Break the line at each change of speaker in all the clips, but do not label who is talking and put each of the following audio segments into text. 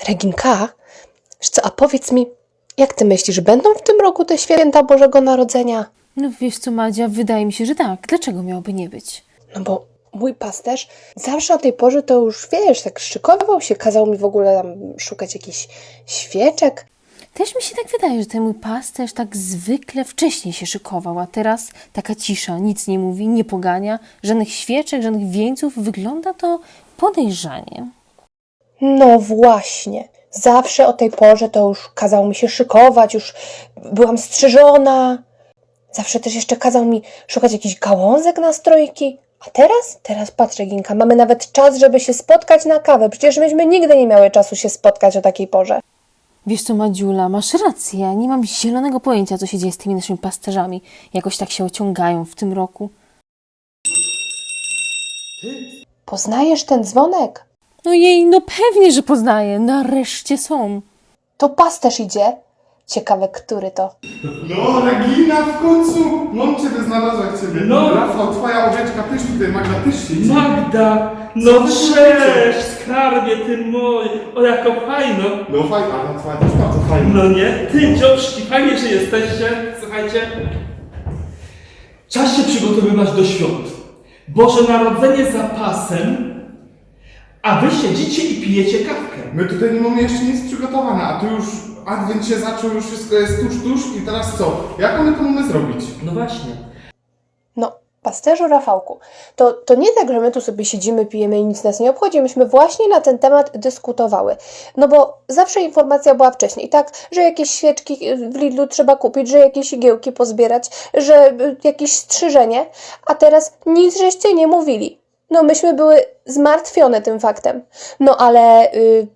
Reginka, wiesz co, a powiedz mi, jak ty myślisz, będą w tym roku te święta Bożego Narodzenia?
No wiesz co, Madzia, wydaje mi się, że tak. Dlaczego miałoby nie być?
No bo mój pasterz zawsze o tej porze to już, wiesz, tak szykował się, kazał mi w ogóle tam szukać jakichś świeczek.
Też mi się tak wydaje, że ten mój pasterz tak zwykle wcześniej się szykował, a teraz taka cisza, nic nie mówi, nie pogania, żadnych świeczek, żadnych wieńców. Wygląda to podejrzanie.
No właśnie, zawsze o tej porze to już kazał mi się szykować, już byłam strzyżona. Zawsze też jeszcze kazał mi szukać jakichś gałązek na strojki. A teraz patrz, Reginka, mamy nawet czas, żeby się spotkać na kawę. Przecież myśmy nigdy nie miały czasu się spotkać o takiej porze.
Wiesz co, Madziula, masz rację, ja nie mam zielonego pojęcia, co się dzieje z tymi naszymi pasterzami. Jakoś tak się ociągają w tym roku.
Poznajesz ten dzwonek?
No jej, no pewnie, że poznaję. Nareszcie są.
To pasterz idzie. Ciekawe, który to.
No, Regina, w końcu! Mam Ciebie znalazła jak Ciebie.
No.
Rafał, Twoja owieczka też tutaj, Magda też się idzie.
Magda! No
Co wy
cześć, skarbie ty mój! O, jako fajno!
No fajna, ale Twoja też bardzo fajna.
No nie? Ty, dzioszki, fajnie, że jesteście. Słuchajcie. Czas się przygotowywać do świąt. Boże Narodzenie za pasem, a wy siedzicie i pijecie kawkę.
My tutaj nie mamy jeszcze nic przygotowane, a tu już Adwent się zaczął, już wszystko jest tuż i teraz co? Jak my to mamy zrobić?
No właśnie.
No, pasterzu Rafałku, to nie tak, że my tu sobie siedzimy, pijemy i nic nas nie obchodzi. Myśmy właśnie na ten temat dyskutowały. No bo zawsze informacja była wcześniej, tak? Że jakieś świeczki w Lidlu trzeba kupić, że jakieś igiełki pozbierać, że jakieś strzyżenie, a teraz nic żeście nie mówili. No myśmy były zmartwione tym faktem. No ale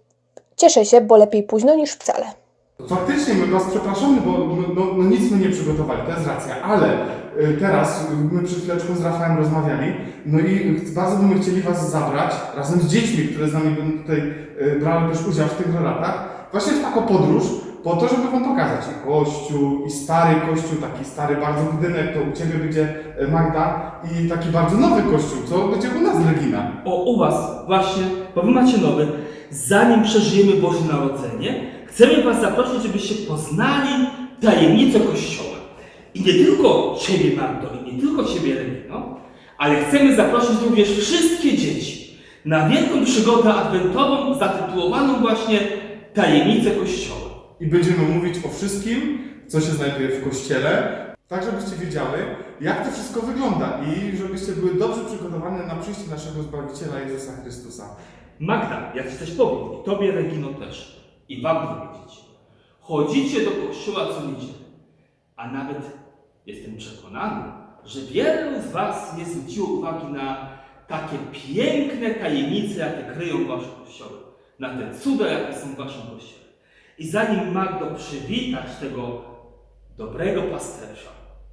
cieszę się, bo lepiej późno niż wcale.
Faktycznie, my Was przepraszamy, bo no nic my nie przygotowali, to jest racja, ale teraz my przed chwileczką z Rafałem rozmawiali, no i bardzo byśmy chcieli Was zabrać, razem z dziećmi, które z nami będą tutaj brały też udział w tych relatach, właśnie w taką podróż, po to, żeby Wam pokazać i kościół, i stary kościół, taki stary bardzo budynek, to u Ciebie będzie Magda, i taki bardzo nowy kościół, co będzie u nas Regina.
O, u was właśnie, bo wy macie nowy. Zanim przeżyjemy Boże Narodzenie, chcemy was zaprosić, żebyście poznali tajemnicę Kościoła. I nie tylko Ciebie, Magdo, i nie tylko Ciebie, Regino, ale chcemy zaprosić również wszystkie dzieci na wielką przygodę adwentową zatytułowaną właśnie Tajemnicę Kościoła.
I będziemy mówić o wszystkim, co się znajduje w kościele, tak żebyście wiedziały, jak to wszystko wygląda i żebyście były dobrze przygotowane na przyjście naszego Zbawiciela Jezusa Chrystusa.
Magda, jak ci coś powiem, i Tobie, Regino, też, i Wam powiedzieć. Chodzicie do kościoła co niedzielę, a nawet jestem przekonany, że wielu z Was nie zwróciło uwagi na takie piękne tajemnice, jakie kryją Wasze kościoły, na te cuda, jakie są w Waszym kościele. I zanim, Magdo, przywitać tego dobrego pasterza,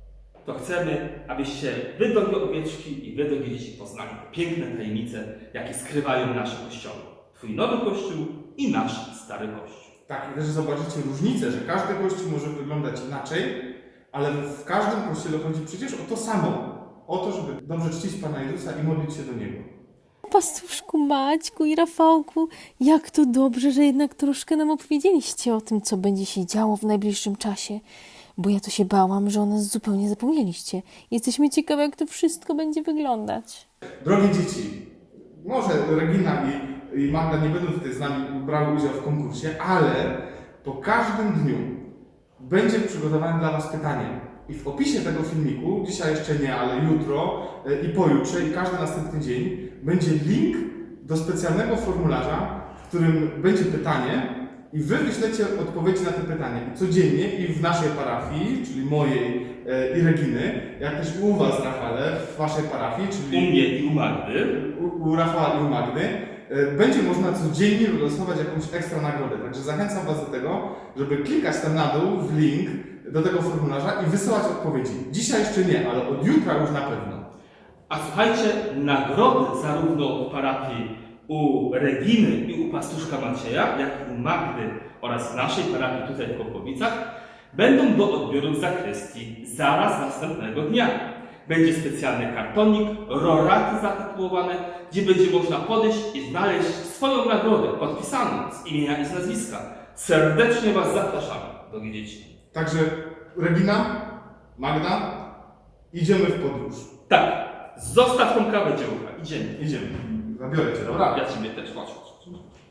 to chcemy, abyście wy, drogie owieczki, i wy, drogie dzieci, poznali piękne tajemnice, jakie skrywają nasze kościoły. Twój nowy kościół i nasz stary kościół.
Tak, i też zobaczycie różnicę, że każdy kościół może wyglądać inaczej, ale w każdym kościele chodzi przecież o to samo. O to, żeby dobrze czcić Pana Jezusa i modlić się do Niego.
Pastuszku, Maćku i Rafałku, jak to dobrze, że jednak troszkę nam opowiedzieliście o tym, co będzie się działo w najbliższym czasie. Bo ja to się bałam, że o nas zupełnie zapomnieliście. Jesteśmy ciekawe, jak to wszystko będzie wyglądać.
Drogie dzieci, może Regina i Magda nie będą tutaj z nami brały udział w konkursie, ale po każdym dniu będzie przygotowane dla Was pytanie. I w opisie tego filmiku, dzisiaj jeszcze nie, ale jutro i pojutrze i każdy następny dzień, będzie link do specjalnego formularza, w którym będzie pytanie i Wy wyślecie odpowiedzi na te pytanie. I codziennie i w naszej parafii, czyli mojej i Reginy, jak też i u Was, Rafale, w Waszej parafii,
U
czyli
mnie i u Magdy.
u Rafała i u Magdy, będzie można codziennie wylosować jakąś ekstra nagrodę. Także zachęcam Was do tego, żeby klikać tam na dół w link do tego formularza i wysyłać odpowiedzi. Dzisiaj jeszcze nie, ale od jutra już na pewno.
A słuchajcie, nagrody zarówno w parafii u Reginy i u pastuszka Macieja, jak i u Magdy oraz w naszej parafii tutaj w Kopowicach będą do odbioru w zakrystii zaraz następnego dnia. Będzie specjalny kartonik, roraty zatytułowane, gdzie będzie można podejść i znaleźć swoją nagrodę podpisaną z imienia i z nazwiska. Serdecznie Was zapraszamy, drogie dzieci.
Także Regina, Magda, idziemy w podróż.
Tak, zostaw tą kawę, dziełka. Idziemy.
Idziemy. Zabiorę cię, dobra?
Ja Ciebie też, chodź.